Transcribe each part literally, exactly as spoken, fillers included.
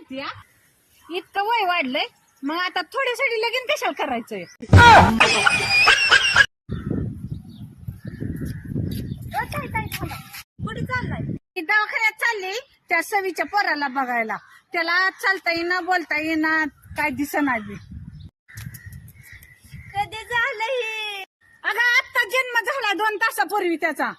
म्हणते इतकं वय वाढलंय मग आता थोड्यासाठी लगीन कशाला करायचंय? कुठे चाललाय? दवाखान्यात चालली त्या सवीच्या पोराला बघायला. त्याला चालता येईना बोलता येईना काय दिसना बी. कधी झालं हे? अगं आत्ता जन्म झाला दोन तासापूर्वी त्याचा.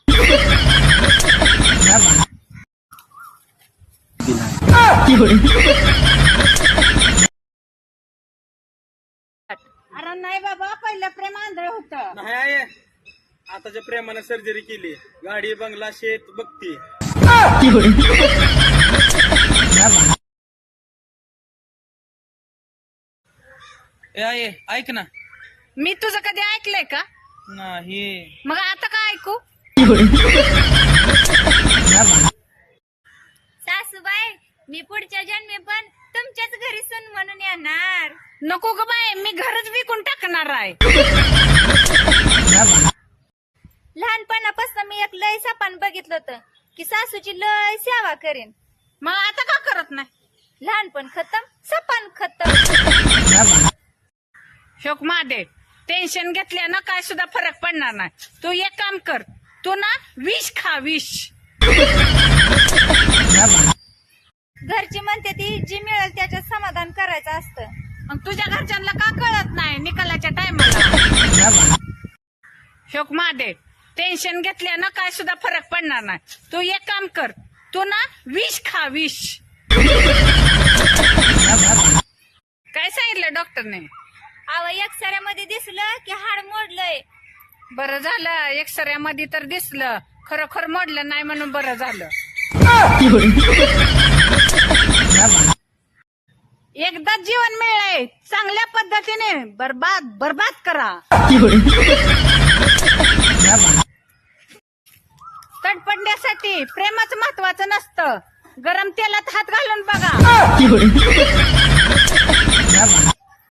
अरे नाही बाबा पहिलं प्रेम आंधळ होत. नाही आहे आताच्या प्रेमानं सर्जरी केली. गाडी बंगला शेत बघती. ए आहे ऐक ना. मी तुझं कधी ऐकलंय का? नाही. मग आता काय ऐकू? सासूबाई मी पुढच्या जन्मी पण तुमच्याच घरी सून म्हणून येणार. नको ग बाय मी घरच विकून टाकणार आहे. लहानपणापासून मी एक लय सपान बघितलं होतं की सासूची लय सेवा करेन. मग आता का करत नाही? लहानपण खतम सपान खतम. शोक मादे टेन्शन घेतल्यानं काय सुद्धा फरक पडणार नाही. तू एक काम कर, तू ना विष खा विष. घरची म्हणते ती जी मिळेल त्याच्यात समाधान करायचं असतं. मग तुझ्या घरच्यांना का कळत नाही निकालाच्या टायमाला? शोक मादे टेन्शन घेतल्यानं काय सुद्धा फरक पडणार नाही. तू एक काम कर, तू ना विष खा विष. काय सांगितलं डॉक्टरने? अव एक्सऱ्यामध्ये दिसलं की हाड मोडलंय. बरं झालं एक्सऱ्यामध्ये तर दिसलं, खरोखर मोडलं नाही म्हणून बरं झालं. एकदा जीवन मिळालंय चांगल्या पद्धतीने बरबाद बरबाद करा. तडपडण्यासाठी प्रेमाचं महत्वाचं नसतं, गरम तेलात हात घालून बघा.